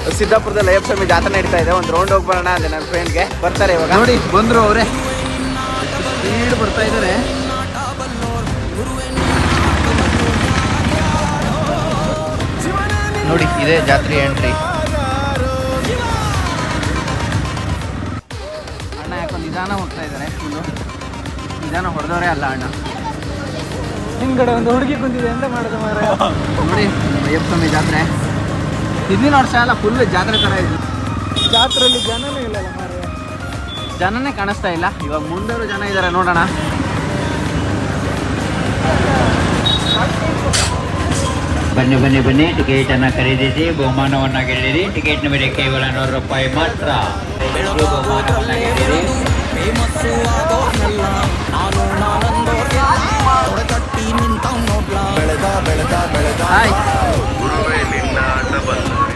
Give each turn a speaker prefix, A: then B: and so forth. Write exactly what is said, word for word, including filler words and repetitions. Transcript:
A: ಸಿದ್ದಾಪುರದಲ್ಲಿ ಅಯ್ಯಪ್ಪ ಸ್ವಾಮಿ ಜಾತ್ರೆ ನಡೀತಾ ಇದೆ. ಒಂದು ರೌಂಡ್ ಹೋಗಿ ಬರೋಣ ಅಂದೆ ನನ್ನ ಫ್ರೆಂಡ್ಗೆ. ಬರ್ತಾರೆ ಇವಾಗ. ನೋಡಿ ಬಂದರು ಅವರೇ, ಸ್ಪೀಡ್ ಬರ್ತಾ ಇದ್ದಾರೆ. ನೋಡಿ ಇದೆ ಜಾತ್ರೆ ಎಂಟ್ರಿ. ಅಣ್ಣ ಯಾಕೋ ನಿಧಾನ ಹೋಗ್ತಾ ಇದ್ದಾರೆ. ಫುಲ್ಲು ನಿಧಾನ ಹೊಡೆದವರೇ ಅಲ್ಲ ಅಣ್ಣ. ಹಿಂಗಡೆ ಒಂದು ಹುಡುಗಿ ಕುಂತಿದೆ ಅಂತ ಮಾಡೋದು ಮಾರ. ನೋಡಿ ಅಯ್ಯಪ್ಪ ಸ್ವಾಮಿ ಜಾತ್ರೆ ಹಿಂದಿನ ವರ್ಷ ಎಲ್ಲ ಫುಲ್ ಜಾತ್ರೆ ಥರ ಇದೆ. ಜಾತ್ರೆಯಲ್ಲಿ ಜನನೇ ಇಲ್ಲ ಮಾರ, ಜನನೇ ಕಾಣಿಸ್ತಾ ಇಲ್ಲ. ಇವಾಗ ಮುಂದವರು ಜನ ಇದ್ದಾರೆ ನೋಡೋಣ.
B: ಬನ್ನಿ ಬನ್ನಿ ಬನ್ನಿ, ಟಿಕೆಟ್ ಅನ್ನ ಖರೀದಿಸಿ ಬಹುಮಾನವನ್ನ ಗೆಲ್ಲಿರಿ. ಟಿಕೆಟ್ ನ ಬೆಲೆ ಕೇವಲ ನೂರು ರೂಪಾಯಿ ಮಾತ್ರ. ಬಹುಮಾನವನ್ನ ಗೆಲ್ಲಿರಿ.
A: ಹಾಯ್